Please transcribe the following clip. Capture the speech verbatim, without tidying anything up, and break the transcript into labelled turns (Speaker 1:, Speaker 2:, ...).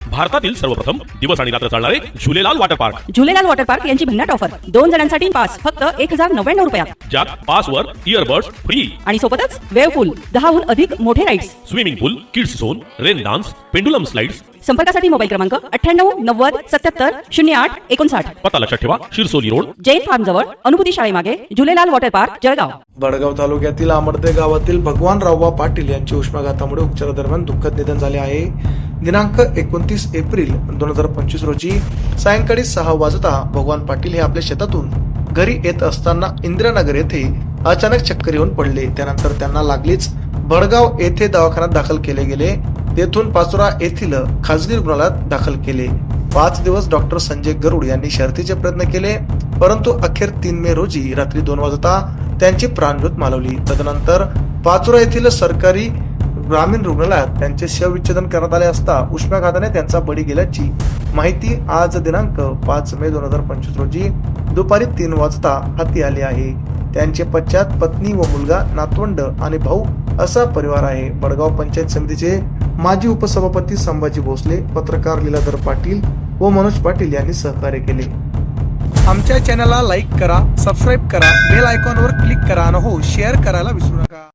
Speaker 1: भारतातील सर्वप्रथम दिवस आणि रात्र चालणारे Jhulelal water park.
Speaker 2: Jhulelal water park यांची भन्नाट ऑफर दोन जणांसाठी पास फक्त एक हजार नव्याण्णव रुपयात,
Speaker 1: ज्यात पासवर इयरबड्स फ्री
Speaker 2: आणि सोबतच वेव्ह पूल, दहाहून अधिक मोठे rides,
Speaker 1: swimming pool, kids zone, rain dance, pendulum slides.
Speaker 2: संपर्कासाठी मोबाईल क्रमांक अठ्ठ्याण्णव नव्वद सत्याहत्तर शून्य आठ एकोणसाठ.
Speaker 1: पत्ता लक्षात ठेवा, शिरसोली रोड,
Speaker 2: जैन फार्म जवळ, अनुभूती शाळेमागे, झुलेलाल वॉटर पार्क, जळगाव.
Speaker 3: बडगाव तालुक्यातील आमर्दे गावातील भगवान रावबा पाटील यांचे उष्माघातामुळे उपचारादरम्यान दुःखद निधन झाले आहे. दिनांक एकोणतीस एप्रिल दोन हजार पंचवीस रोजी सायंकाळी सहा वाजता भगवान पाटील हे आपल्या शेतातून घरी येत असताना इंदिरानगर येथे अचानक चक्कर येऊन पडले. त्यानंतर त्यांना लागलीच बडगाव येथे दवाखान्यात दाखल केले गेले. तेथून पाचोरा येथील खासगी रुग्णालयात दाखल केले. पाच दिवस डॉक्टर संजय गरुड यांनी शर्थीचे प्रयत्न केले, परंतु अखेर तीन मे रोजी रात्री दोन वाजता त्यांची प्राणज्योत मालवली. तदनंतर पाचोरा येथील सरकारी ग्रामीण रुग्णालयात त्यांचे शवविच्छेदन करण्यात आले असता उष्माघाताने त्यांचा बळी गेल्याची माहिती आज दिनांक पाच मे दोन हजार पंचवीस रोजी दुपारी तीन वाजता हाती आली आहे. त्यांचे पश्चात पत्नी व मुलगा, नातवंड आणि भाऊ असा परिवार आहे. बडगाव पंचायत समितीचे माजी उपसभापती संभाजी भोसले, पत्रकार लीलाधर पाटील व मनोज पाटील यांनी सहकार्य केले.
Speaker 4: आमच्या चॅनलला लाईक करा, सबस्क्राईब करा, बेल आयकॉनवर क्लिक करा आणि हो शेअर करायला विसरू नका.